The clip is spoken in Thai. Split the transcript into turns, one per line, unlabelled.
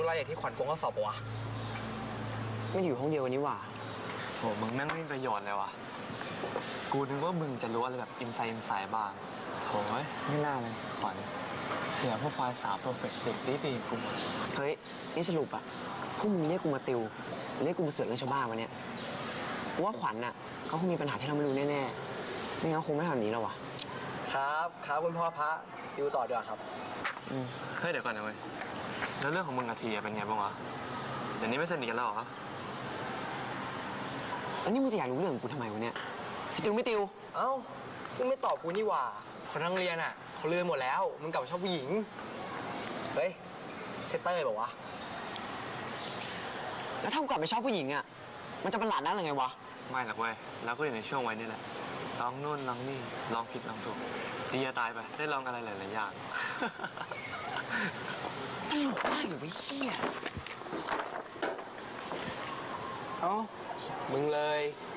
รายละเอียดที่ขวัญโกงข้อสอบปะวะ
ไม่อยู่ห้องเดียวกันนี่หว่า
โหมึงแม่งไม่มีประโยชน์เลยว่ะกูนึกว่ามึงจะรู้อะไรแบบอินไซด์บ้างโถ่ไม่น่าเลยขวัญเสียพวกไฟล์สาวเพอร์เฟกต์เด็กดีกู
เฮ้ยนี่สรุปอะพวกมึงเรียกกูมาติวเรียกกูมาเสือกเรื่องชาวบ้านวันเนี้ยกูว่าขวัญอะเขาคงมีปัญหาที่เราไม่รู้แน่ๆไม่งั้นคงไม่ทำแบบนี้หรอกวะ
ครับคุณพ่อพระติวต่อดีกว่าครับ
เฮ้ยเดี๋ยวก่อนนะเว้ยแล้วเรื่องของมึงกับทีเป็นไงบ้างวะเดี๋ยวนี้ไม่สนิทกันแล้วเหรอ
แล้วนี่มึงจะอยากรู้เรื่องกูทำไมวะเนี่ยจะติวไม่ติว
เอ้ามึงไม่ตอบกูนี่หว่าคนทั้งเรียนอ่ะเขาลืมหมดแล้วมึงกลับมาชอบผู้หญิงเฮ้ยเชตเตอร์บอกว่า
แล้วถ้ากูกลับไปชอบผู้หญิงอ่ะมันจะประหลาดนั่นหรือไงวะ
ไม่หรอกเว้ยแล้วก็อยู่ในช่วงวัยนี่แหละลองนู่นลองนี่ลองผิดลองถูกดีจะตายไปได้ลองอะไรหลายๆอย่าง
ตลกมากอยู่ไอ้เหี้ย
เอ้ามึงเลย